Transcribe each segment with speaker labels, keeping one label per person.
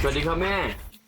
Speaker 1: สวัสดีครับแม่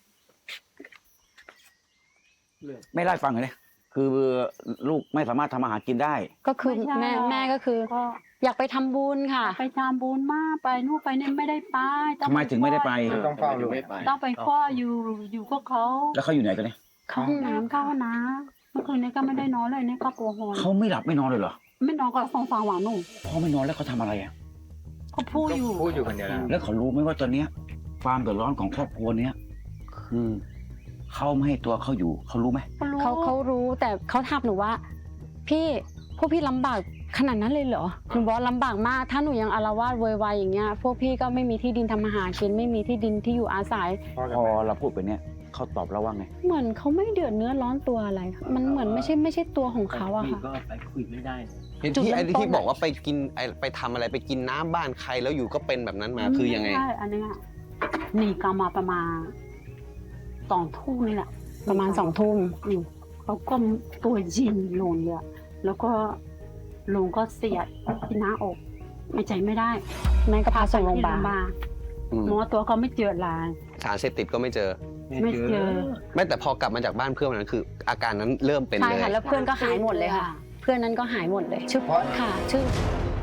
Speaker 2: ไม่ได้ฟังเลยคือลูกไม่สามารถทำอาหารกินได้
Speaker 3: ก็คือแม่ก็คืออยากไปทำบุญค่ะ
Speaker 4: ไปทำบุญมากไปนู่นไปนี่ไม่ได้ไป
Speaker 2: ทำไมถึงไม่ได้ไป
Speaker 5: ต้องเฝ้าอยู่
Speaker 4: ต้องไปคว้าอยู่ก็เขา
Speaker 2: แล้วเขาอยู่ไหนกันเนี่ย
Speaker 4: เข้าห้องน้ำเมื่อคืนนี้ก็ไม่ได้นอนเลยเนี่ยก็ปวดหัว
Speaker 2: เขาไม่หลับไม่นอนเลยเหรอ
Speaker 4: ไม่นอนก็ฟังหวานหนุ่ม
Speaker 2: พ่อไม่นอนแล้วเขาทำอะไรอ่ะ
Speaker 4: เขาพูดอยู่
Speaker 5: คนเดียวนะ
Speaker 2: แล้วเขารู้ไหมว่าตอนเนี้ยความเดือดร้อนของครอบครัวเนี้ยคือเขาไม่ให้ตัวเขาอยู่เขารู้ไหม
Speaker 3: เขารู้แต่เขาถามหนูว่าพี่พวกพี่ลำบากขนาดนั้นเลยเหรอหนูบอกลำบากมากถ้าหนูยังอาละวาดโวยวายอย่างเงี้ยพวกพี่ก็ไม่มีที่ดินทำอาหารกินไม่มีที่ดินที่อยู่อาศัย
Speaker 2: พอเราพูดไปเนี้ยเขาตอบเราว่าไง
Speaker 3: เหมือนเขาไม่เดือดเนื้อร้อนตัวอะไรมันเหมือนไม่ใช่ตัวของเขาอะค่ะ
Speaker 1: ก็ไปคุยไม่ได้
Speaker 6: เห็นที่ไอ้ที่บอกว่าไปกินไปทำอะไรไปกินน้ำบ้านใครแล้วอยู่ก็เป็นแบบนั้นมาคือยังไง
Speaker 4: ใช่อันเนี้ยหนีกลับมาประมาณ2 ทุ่มนี่แหละ
Speaker 3: ประมาณ2 ทุ่ม
Speaker 4: เขาก็ตัวยินลงเลยแล้วก็ลงก็เสียดที่หน้าอกไม่ใจไม่ได้
Speaker 3: แม่ก็พาส่งโรงพยาบาล
Speaker 4: หมอตัวก็ไม่เจอลาย
Speaker 6: สารเสพติดก็ไม่เจอ
Speaker 4: ไม่เจอ
Speaker 6: ไม่แต่พอกลับมาจากบ้านเพื่อนวันนั้นคือ อาการนั้นเริ่มเป็น
Speaker 3: ใช่
Speaker 6: เลย
Speaker 3: ค่ะแล้วเพื่อนก็หายหมดเลยค่ะ เพื่อนนั้นก็หายหมดเลยชื่อค่ะชื่อ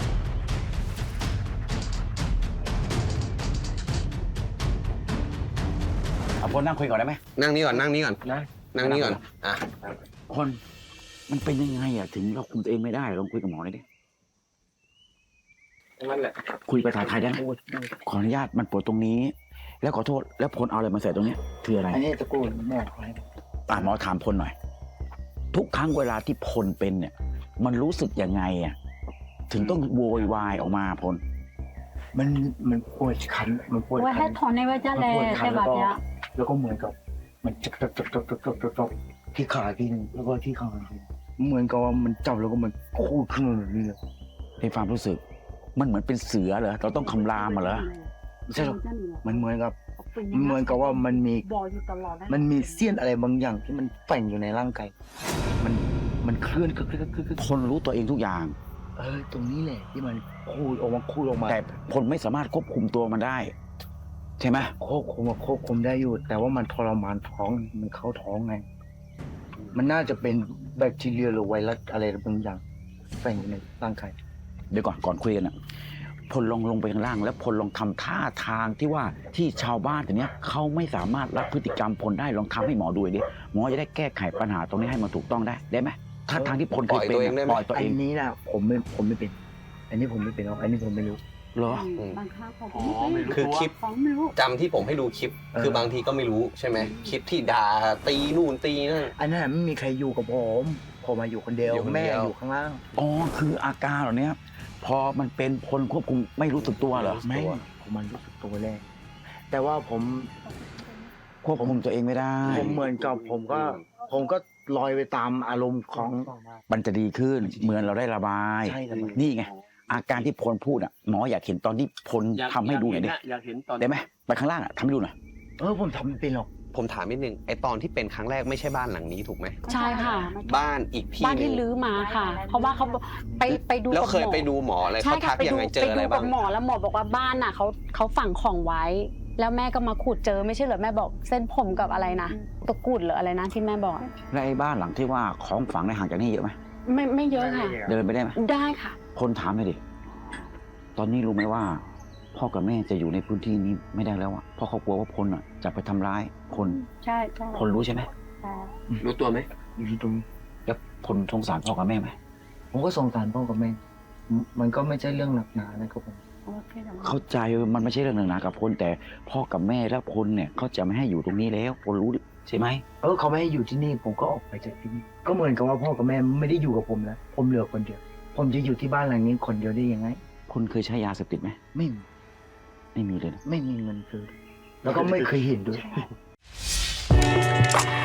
Speaker 2: เอาพลนั่งคุยก่อนได้ไหม
Speaker 6: นั่งนี่ก่อนนั่งนี่ก่อน
Speaker 1: นะ
Speaker 6: นั่งนี่ก่อนอ่ะ
Speaker 2: พลมันเป็นยังไงอ่ะถึงเราคุมตัวเองไม่ได้ลองคุยกับหมอหน่อยดิ
Speaker 1: นั่นแหละ
Speaker 2: คุยภาษาไทยได้ไหมขออนุญาตมันปวดตรงนี้ แล้วขอโทษแล้วพลเอาอะไรมาใส่ตรงเนี้ยคืออะไร
Speaker 5: อันนี้ตะกูลแม่ขอให้
Speaker 2: หมอถามพลหน่อย ทุกครั้งเวลาที่พลเป็นเนี่ย มันรู้สึกยังไงอ่ะถึงต้องโวยวายออกมาพล
Speaker 5: มันปวดคันมันปวด
Speaker 4: ว่า
Speaker 5: คั
Speaker 4: ให้
Speaker 5: น
Speaker 4: ถอนในว่าจะแล
Speaker 5: มันปวดคั
Speaker 4: แต่
Speaker 5: น
Speaker 4: แบบเนี้ย
Speaker 5: แล้วก็เหมือนกับมันจับที่ขาทีนึงแล้วก็ที่ขาทีนึงเหมือนกับว่ามันจับแล้วก็มันคูดขึ้นมาแบบนี้เลย
Speaker 2: ในความรู้สึก มันเหมือนเป็นเสือเหรอเราต้องคำรามมาเหรอ
Speaker 5: ไม่ใช่หรอกมันเหมือนกับว่ามันมี
Speaker 4: บอกอยู่ตลอด
Speaker 5: มันมีเสี้ยนอะไรบางอย่างที่มันแฝงอยู่ในร่างกายมันเคลื่อนคือ
Speaker 2: พลรู้ตัวเองทุกอย่าง
Speaker 5: ตรงนี้แหละที่มันคูดออกมา
Speaker 2: แต่พลไม่สามารถควบคุมตัวมันได้ ใช่ไหม
Speaker 5: ควบคุมได้อยู่ แต่ว่ามันทรมานท้องมันเข้าท้องไง มันน่าจะเป็นแบคทีเรียหรือไวรัสอะไรบางอย่างแฝงอยู่ในร่างกาย
Speaker 2: เดี๋ยวก่อนคุยกันอ่ะพลลงไปข้างล่างแล้วพลลองทำท่าทางที่ว่าที่ชาวบ้านแต่เนี้ยเขาไม่สามารถรับพฤติกรรมพลได้ลองทำให้หมอดูดิหมอจะได้แก้ไขปัญหาตรงนี้ให้มันถูกต้องได้ไหมท่าทางที่พลเคยเป็นปล่อยตัว
Speaker 5: อั
Speaker 2: เอง
Speaker 5: นนี้นะผมไม่เป็น อันนี้ผมไม่เป็นหรอกอันนี้ผมไม่รู้
Speaker 2: เหรอ
Speaker 4: บางครั้งเขา
Speaker 6: คือคลิป
Speaker 4: ของไม่รู้
Speaker 6: จำที่ผมให้ดูคลิป คือบางทีก็ไม่รู้ใช่ไหมคลิปที่ด่าตีนู่นตีนั่น
Speaker 5: อันนั้นไม่มีใครอยู่กับผมมาอยู่คนเดียว
Speaker 6: อยู่คนเดียว
Speaker 5: แม่อยู่ข้างล่าง
Speaker 2: อ๋อคืออาการเหล่านี้พอมันเป็นพลควบคุมไม่รู้สึกตัวเหรอ
Speaker 5: ไม่ผมมันรู้สึกตัวแรกแต่ว่าผม
Speaker 2: ควบคุมตัวเองไม่ได้
Speaker 5: ผมเหมือนกับผมก็ลอยไปตามอารมณ์ของ
Speaker 2: มันจะดีขึ้นเหมือนเราได้ระบาย
Speaker 5: ใช่ระบาย
Speaker 2: นี่ไงอาการที่พลพูดอ่ะหมออยากเห็นตอนที่พลทำให้ดูหน่อยดิ
Speaker 1: อยากเห็นตอน
Speaker 2: ได้ไหมไปข้างล่างอ่ะทำให้ดูหน่อย
Speaker 5: ผมทำไม่เป็นหรอก
Speaker 6: ผมถามนิดนึงไอตอนที่เป็นครั้งแรกไม่ใช่บ้านหลังนี้ถูกไหม
Speaker 3: ใช่ค่ะ
Speaker 6: บ้านอีกที่
Speaker 3: บ้าน
Speaker 6: หนึ
Speaker 3: ที่
Speaker 6: ง
Speaker 3: ลื้อมาค่ะ เพราะว่าเขาไปดู
Speaker 6: แล้ว
Speaker 3: กับ
Speaker 6: เคย
Speaker 3: หมอ
Speaker 6: ไปดูหมออะไร
Speaker 3: ใช่
Speaker 6: เขาทั
Speaker 3: ค่ะ
Speaker 6: ก
Speaker 3: ไป
Speaker 6: ยัง
Speaker 3: ดู
Speaker 6: ไงเจอ
Speaker 3: ไป
Speaker 6: อะไร
Speaker 3: ดู
Speaker 6: บ้า
Speaker 3: กับ
Speaker 6: ง
Speaker 3: หมอแล้วหมอบอกว่าบ้านน่ะเขาฝังของไว้ แล้วแม่ก็มาขุดเจอไม่ใช่เหรอแม่บอกเส้นผมกับอะไรนะตะกรุดหรืออะไรนะที่แม่บอก
Speaker 2: แล้วไอ้บ้านหลังที่ว่าของฝังในห่างจากนี่เยอะไหม
Speaker 3: ไม่เยอะค่ะ
Speaker 2: เดินไปได้ไหม
Speaker 3: ได้ค่ะ
Speaker 2: พลถามเลยดิตอนนี้รู้ไหมว่า พ่อกับแม่จะอยู่ในพื้นที่นี้ไม่ได้แล้วอ่ะเพราะเขากลัวว่าพลอ่ะจะไปทำร้ายพล
Speaker 4: ใช่
Speaker 2: พลรู้ใช่ไหม
Speaker 1: รู้ตัวไหม
Speaker 5: อยู่ที่ตรงนี้
Speaker 2: แล้วพลสงสารพ่อกับแม่ไหม
Speaker 5: ผมก็สงสารพ่อกับแม่มันก็ไม่ใช่เรื่องหนักหนานะครับผม
Speaker 2: เข้าใจมันไม่ใช่เรื่องหนึ่งนะกับพลแต่พ่อกับแม่และพลเนี่ยเขาจะไม่ให้อยู่ตรงนี้แล้วพลรู้ใช่ไหม
Speaker 5: เขาไม่ให้อยู่ที่นี่ผมก็ออกไปจากที่นี่ก็เหมือนกับว่าพ่อกับแม่ไม่ได้อยู่กับผมแล้วผมเหลือคนเดียว ผมจะอยู่ที่บ้านหลังนี้คนเดียวได้ยังไง
Speaker 2: พลเคยใช้ยาเสพติดไหม
Speaker 5: ไม่มี
Speaker 2: ไม่มีเลยนะ
Speaker 5: ไม่มีเงินซื้อแล้วก็ไม่เคยเห็นด้วย